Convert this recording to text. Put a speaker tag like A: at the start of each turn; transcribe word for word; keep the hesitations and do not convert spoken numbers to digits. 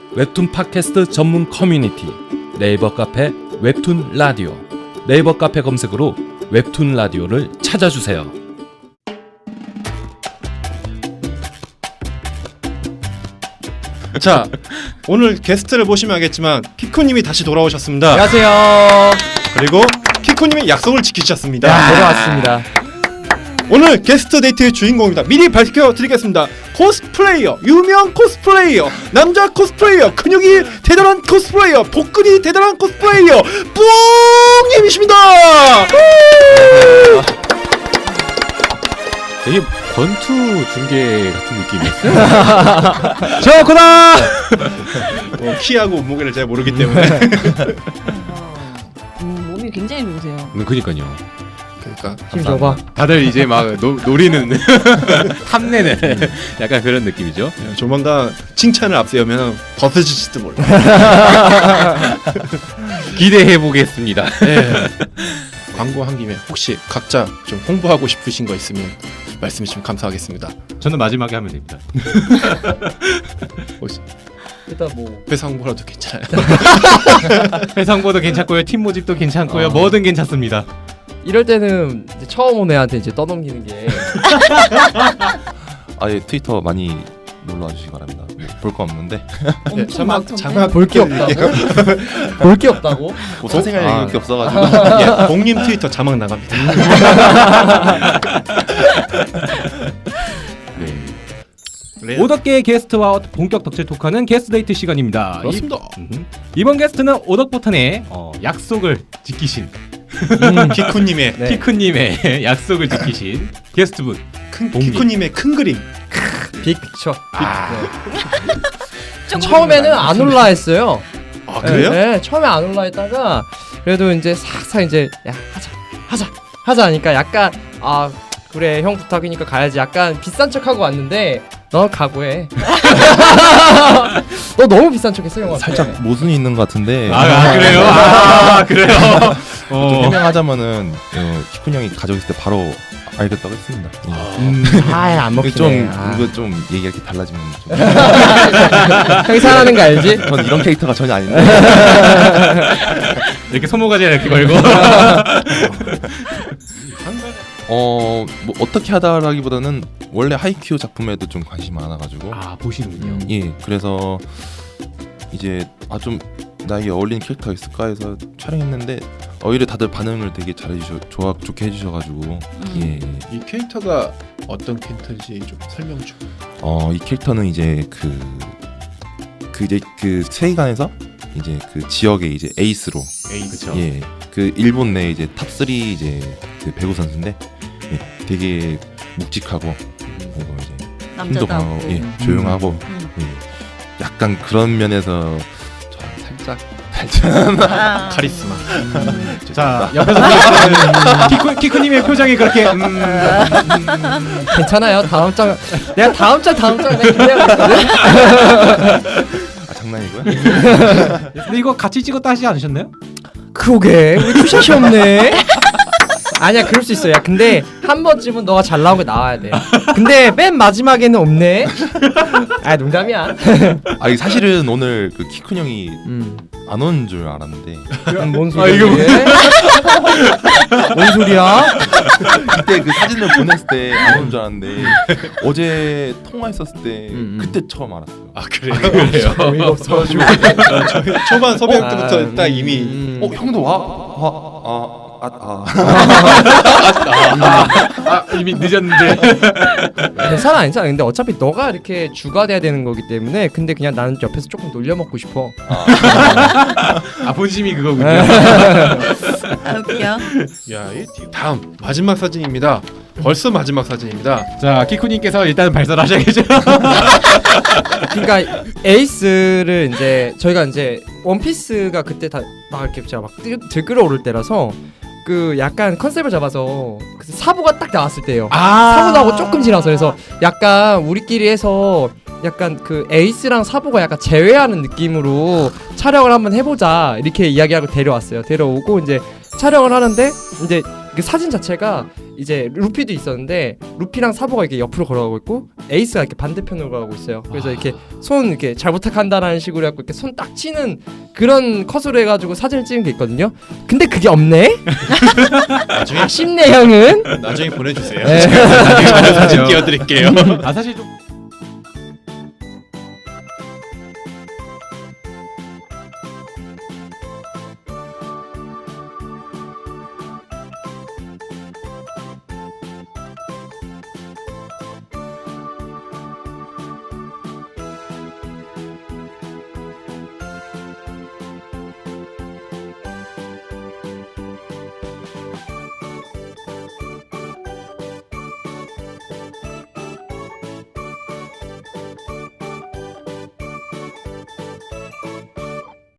A: 웹툰 팟캐스트 전문 커뮤니티 네이버 카페 웹툰 라디오. 네이버 카페 검색으로 웹툰 라디오를 찾아주세요.
B: 자, 오늘 게스트를 보시면 알겠지만 키쿠님이 다시 돌아오셨습니다.
C: 안녕하세요.
B: 그리고 키쿠님이 약속을 지키셨습니다.
C: 야, 돌아왔습니다.
B: 오늘 게스트 데이트의 주인공입니다. 미리 밝혀드리겠습니다. 코스플레이어, 유명 코스플레이어, 남자 코스플레이어, 근육이 대단한 코스플레이어, 복근이 대단한 코스플레이어 뿡님이십니다.
D: 되게 권투 중계 같은 느낌이었어요.
C: 저코다.
B: 뭐 키하고 몸무게를 잘 모르기 때문에.
E: 음, 몸이 굉장히 좋으세요.
D: 음, 그니까요.
B: 그러니까
C: 힘 줘봐.
D: 다들 이제 막 노, 노리는 탐내는 약간 그런 느낌이죠.
B: 조만간 칭찬을 앞세우면 벗어질지도 몰라.
D: 기대해 보겠습니다.
B: 네. 광고 한 김에 혹시 각자 좀 홍보하고 싶으신 거 있으면 말씀해 주시면 감사하겠습니다.
D: 저는 마지막에 하면 됩니다.
B: 혹시
C: 일단 뭐
B: 회사 홍보라도 괜찮아요.
D: 회사 홍보도 괜찮고요, 팀 모집도 괜찮고요,
C: 어.
D: 뭐든 괜찮습니다.
C: 이럴 때는 이제 처음 온 애한테 이제 떠넘기는 게
F: 아예 트위터 많이 놀러 와주시기 바랍니다. 볼 거 없는데
B: 네,
E: 엄청
B: 자막
E: 많던데.
B: 자막
C: 볼 게 없다고? 볼 게 없다고?
F: 뭐 사생활
C: 아.
F: 얘기밖에 없어가지고
B: 예, 봉님 트위터 자막 나갑니다. 네.
G: 오덕계의 게스트와 본격 덕질 토크하는 게스트 데이트 시간입니다.
B: 그렇습니다.
G: 이, 음, 이번 게스트는 오덕포탄의 어, 약속을 지키신
B: 음, 키쿠님의
C: 네.
G: 키크님의 약속을 지키신 게스트분.
B: 큰
G: 봉님.
B: 키쿠님의 큰 그림.
C: 빅픽처.
G: 아,
E: 조금
C: 처음에는 안 올라 했어요.
B: 아 그래요?
C: 네, 네, 처음에 안 올라 했다가 그래도 이제 싹싹 이제 야 하자 하자 하자 하니까 약간 아 그래 형 부탁이니까 가야지 약간 비싼 척하고 왔는데 너 각오해. 너 너무 비싼 척했어 형한테.
F: 살짝 모순이 있는 것 같은데
G: 아, 아 그래요? 아 그래요?
F: 좀
G: 어.
F: 해명하자면은 어, 키쿤 형이 가족 있을 때 바로 알겠다고 했습니다. 예.
C: 음, 아안 먹히네.
F: 좀
C: 아.
F: 이거 좀 얘기가 이렇게 달라지면 좀
C: 형이 사랑하는 거 알지?
F: 전 이런 캐릭터가 전혀 아닌데
G: 이렇게 소모가지 이렇게 걸고.
F: 어 뭐 어떻게 하다라기보다는 원래 하이큐 작품에도 좀 관심이 많아가지고
G: 아 보시는군요.
F: 예 그래서 이제 아 좀 나에게 어울리는 캐릭터가 있을까 해서 촬영했는데 오히려 다들 반응을 되게 잘해주셔 좋아 좋게 해주셔가지고
E: 음.
F: 예.
B: 이 캐릭터가 어떤 캐릭터인지 좀 설명 좀.
F: 어 이 캐릭터는 이제 그 그 이제 그 세계관에서 이제 그 지역의 이제 에이스로
B: 에이
G: 그쵸.
F: 예 그 일본 내 이제 탑 쓰리 이제 그 배구 선수인데 예, 되게 묵직하고 그리고 이제 힘도 강하고
E: 남자다워.
F: 예 조용하고
E: 음.
F: 예, 약간 그런 면에서 저랑 살짝 살짝
E: 아.
B: 카리스마.
G: 자 옆에서 보시는 키쿠 키쿠님의 표정이 그렇게 음, 음,
C: 괜찮아요. 다음 장 내가 다음 장 다음 장 내가 기대하고 있거든.
F: 아 장난이고요.
G: 근데 이거 같이 찍었다 하지 않으셨나요?
C: 그러게 우리 투샷이 없네. 아니야 그럴 수 있어. 야 근데 한 번쯤은 너가 잘 나오게 나와야 돼. 근데 맨 마지막에는 없네. 아 농담이야.
F: 아 이게 사실은 오늘 그 키쿤 형이
C: 음,
F: 안 온 줄 알았는데
C: 음, 뭔
G: 아,
C: 소리야?
G: 이거
C: 이게? 뭔 소리야?
F: 그때 그 사진을 보냈을 때 안 온 줄 알았는데 어제 통화했었을 때
C: 음, 음.
F: 그때 처음 알았어요.
B: 아 그래요? 그래요?
C: 어이가 없어가지고.
B: 초반 섭외 때부터
C: 아,
B: 딱 이미
C: 음.
F: 어 형도 와? 아, 아, 아, 아.
G: 아 이미 늦었는데.
C: 괜찮아 괜찮아. 근데 어차피 너가 이렇게 주가 돼야 되는 거기 때문에 근데 그냥 나는 옆에서 조금 놀려 먹고 싶어.
G: 아 본심이 그거군요.
E: 아 웃겨.
B: 야, 이 다음 마지막 사진입니다. 벌써 마지막 사진입니다.
G: 자 키쿠님께서 일단 발설하셔야겠죠.
C: 그러니까 에이스를 이제 저희가 이제 원피스가 그때 다 막 이렇게 제가 막 들- 들끓어오를 때라서 그 약간 컨셉을 잡아서 그 사부가 딱 나왔을 때예요.
G: 아
C: 사부 나오고 조금 지나서 그래서 약간 우리끼리 해서 약간 그 에이스랑 사부가 약간 제외하는 느낌으로 촬영을 한번 해보자 이렇게 이야기하고 데려왔어요. 데려오고 이제 촬영을 하는데 이제 그 사진 자체가 이제 루피도 있었는데 루피랑 사보가 이렇게 옆으로 걸어가고 있고 에이스가 이렇게 반대편으로 가고 있어요. 그래서 이렇게 손 이렇게 잘 부탁한다라는 식으로 해갖고 이렇게 손 딱 치는 그런 컷으로 해가지고 사진을 찍은 게 있거든요. 근데 그게 없네.
B: 나중에
C: 아쉽네 형은.
B: 나중에 보내주세요.
C: 네.
B: 나중에 사진 띄워드릴게요.
G: 아 사실 좀